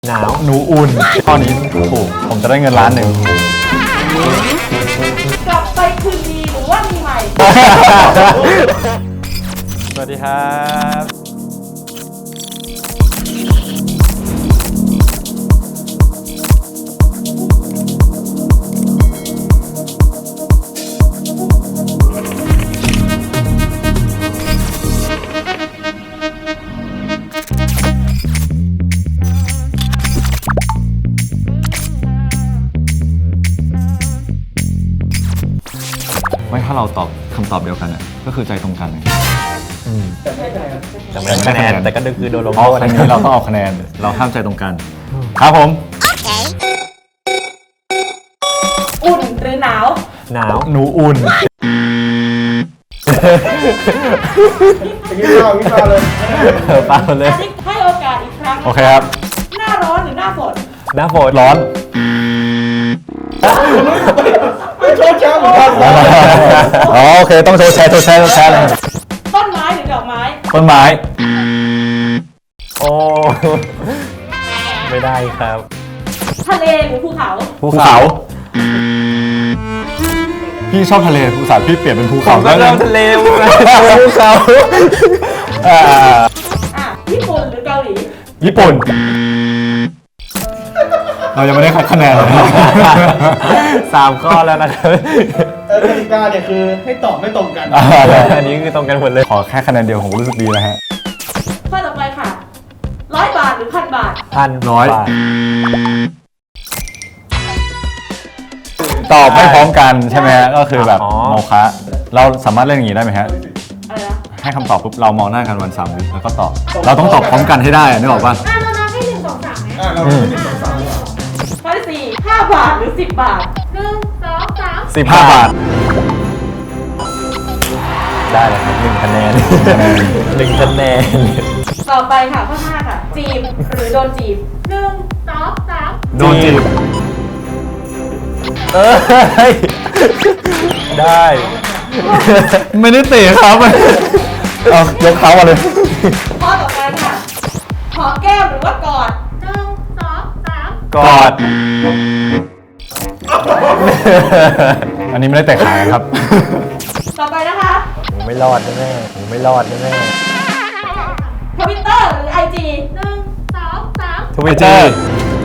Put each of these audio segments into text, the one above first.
หนาวหนูอุ่นข้อนี้ถูกผมจะได้เงินล้านหนึ่งกลับไปคืนดีหรือว่ามีใหม่สวัสดีครับไม่ถ้าเราตอบคำตอบเดียวกันอะก็คือใจตรงกันเลยแต่ไม่ได้คะแนนแต่ก็คือโดนลงเพราะโทษครั้งนี้เราต้องเอาคะแนน เราห้ามใจตรงกัน ครับผมอุ่นหรือหนาวหนาวหนูอุ่นวิชาเลยเปล่าเลยอันนี้ให้โอกาสอีกครั้งนะะโอเคครับหน้าร้อนหรือหน้าฝนหน้าฝนร้อนโชว์แชมป์เหมือนกันอ๋อโอเคต้องโชว์แชร์เลยต้นไม้หรือดอกไม้ต้นไม้โอ้ไม่ได้ครับทะเลหรือภูเขาภูเขา พี่ชอบทะเลภูเขาพี่เปลี่ยนเป็นภูเขาก็เริ่มทะเลภูเขาอ่าอ่ะญี่ปุ่นหรือเกาหลีญี่ปุ่น เรายังไม่ได้คัดคะแนนเลย 3 ข้อแล้วนะครับกติกาเนี่ยคือให้ตอบไม่ตรงกันอันนี้คือตรงกันหมดเลยขอแค่คะแนนเดียวผมก็รู้สึกดีแล้วฮะข้อต่อไปค่ะ100 บาทหรือ1,000 บาทร้อยบาทตอบไม่พร้อมกันใช่ไหมฮะก็คือแบบอ๋อโมฆะเราสามารถเล่นอย่างนี้ได้ไหมฮะอะไรนะให้คำตอบปุ๊บเรามองหน้ากันวัน3 วิแล้วก็ตอบ เราต้องตอบพร้อมกันให้ได้อะนึกออกป่ะเรานับให้1 2 3ไหมเราไม่ติดสามข้อที่ 4 5 บาทหรือ10 บาท1 2 3 15 บาทได้เลยครับ1 คะแนน1 คะแนนต่อไปค่ะข้อ5ค่ะ จีบหรือโดนจีบ1 2 3 โดนจีบได้ไม่ได้เตะครับเอายกเท้ามาเลยข้อต่อไปค่ะหอมแก้มหรือว่ากอด1 2 3 กอด อันนี้ไม่ได้เตะขากันครับต่อไปนะคะผมไม่รอดแน่ๆผมไม่รอดแน่ทวิตเตอร์หรือไอจี1 2 3 ๆทวิตเตอร์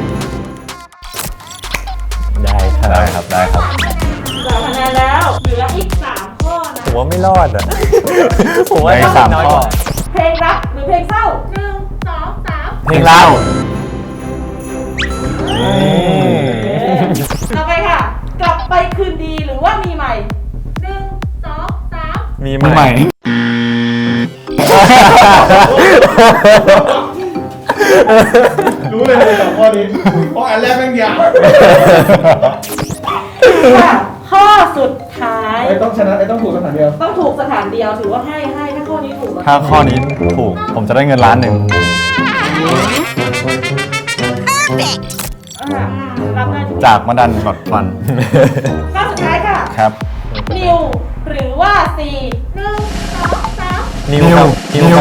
ได้ครับได้ครับ ได้ครับ 3 คะแนนแล้วเหลืออีก3 ข้อนะผมว่าไม่รอดอ่ะ ผมว่าในต้องสามน้อยข้กอว่าเพลงรักหรือเพลงเศร้า1 2 3 เพลงเล่าต่อไปค่ะ กลับไปคืนดีหรือว่ามีใหม่1 2 3 มีมือใหม่รู้เลยจากข้อนี้เพราะอันแรกแม่งยาวค่ะข้อสุดท้ายต้องชนะต้องถูกสถานเดียวต้องถูกสถานเดียวถือว่าให้ถ้าข้อนี้ถูกถ้าข้อนี้ถูก ผมจะได้เงินล้านหนึ่งรับได้ทุกจากมาดันกดฟันข้อสุดท้ายค่ะครับนิวหรือว่าซี1 2 3 นิวครับนิวครับ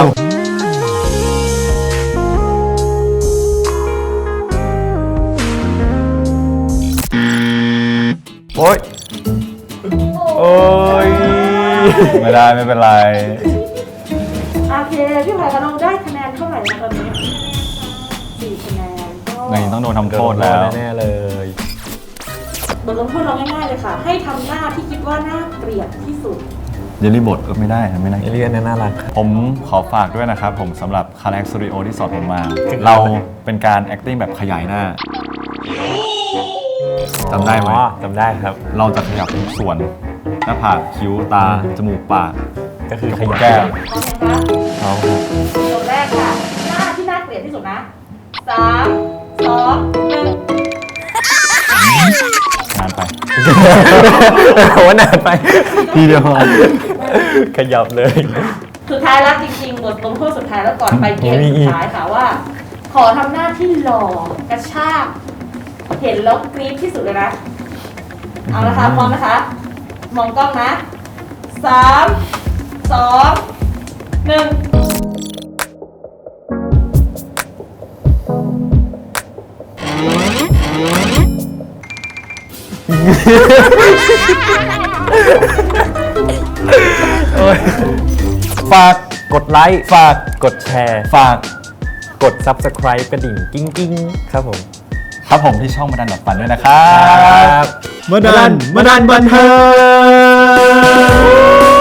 โอ้ย โอ้ยไม่ได้ไม่เป็นไรโอเคพี่ไผ่กระนงได้คะแนนเท่าไหร่นะตอนนี้4 คะแนนก็ในต้องโดนทำโทษแล้วแน่ๆเลยบทลงโทษเราง่ายๆเลยค่ะ ให้ทำหน้าที่คิดว่าน่าเกลียดที่สุดเยลลี่บทก็ไม่ได้นะไม่น่าเอเลียนน่ารักครับผมขอฝากด้วยนะครับ ผมสำหรับคาแรคสตูดิโอที่สอนผมมา เราเป็นการ acting แบบขยายหน้า จำได้ไหมอ๋อจำได้ครับเราจะขยับทุกส่วน หน้าผากคิ้วตา จมูกปากก็คือขยับแก้มพร้อมไหมคะเอาครับตัวแรกค่ะ หน้าที่น่าเกลียดที่สุดนะ3 2 นานไปผมว่านานไปทีเดียวพอขยับเลย 1 สุดท้ายแล้วจริงๆบทลงโทษสุดท้ายแล้วก่อนไปเกมสุดท้ายค่ะว่า ขอทำหน้าที่หล่อกระชากเห็นแล้วกรี๊ดที่สุดเลยนะ เอาละค่ะพร้อมนะคะ มองกล้องนะ3 2 1 ฝากกดไลค์ฝากกดแชร์ฝากกด Subscribe กระดิ่งกิ้งกิ้งครับผมครับผมที่ช่องมาดันดอทปันด้วยนะครับมาดันบันเทิง